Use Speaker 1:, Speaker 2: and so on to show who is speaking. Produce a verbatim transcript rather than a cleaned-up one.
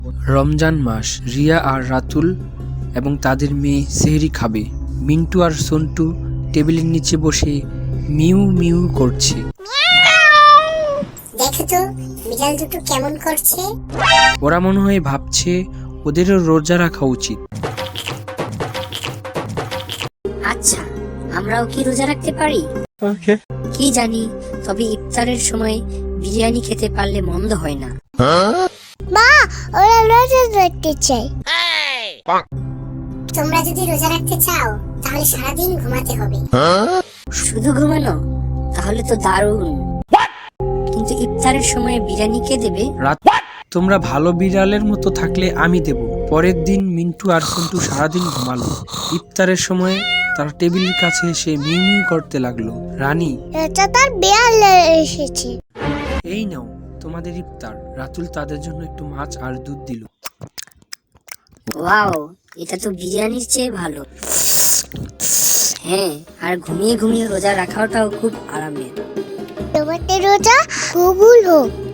Speaker 1: রমজান মাস। রিয়া আর রাতুল এবং তাদের মেয়ে সেহরি খাবে। মিন্টু আর সন্টু টেবিলের নিচে বসে মিউ মিউ করছে।
Speaker 2: দেখো তো বিড়াল দুটো কেমন করছে।
Speaker 1: ওরা মনে হয় ভাবছে ওদেরও রোজা রাখা উচিত।
Speaker 3: আচ্ছা, আমরাও কি রোজা রাখতে পারি? কি জানি, তবে ইফতারের সময় বিরিয়ানি খেতে পারলে মন্দ হয় না।
Speaker 2: মা, ওরা রোজা রাখতে চাই। তোমরা যদি রোজা রাখতে চাও তাহলে সারাদিন ঘুমাতে হবে।
Speaker 3: শুধু ঘুমানো? তাহলে তো দারুণ। কিন্তু ইফতারের সময় বিরিয়ানি কে দেবে?
Speaker 1: রাত তোমরা ভালো বিড়ালের মতো থাকলে আমি দেব। পরের দিন মিন্টু আর সন্টু সারাদিন ঘুমালো। ইফতারের সময় তারা টেবিলের কাছে এসে মিউ মিউ করতে লাগলো। রানী,
Speaker 2: এটা তার বিড়াল এসেছে।
Speaker 1: এই নাও তোমাদের ইফতার। রাতুল তাদের জন্য একটু মাছ আর দুধ দিল।
Speaker 3: ওয়াও, এটা তো বিরিয়ানির চেয়ে ভালো। হ্যাঁ, আর ঘুমিয়ে ঘুমিয়ে রোজা রাখাটাও খুব আরামের।
Speaker 2: তোমাদের রোজা কবুল হোক।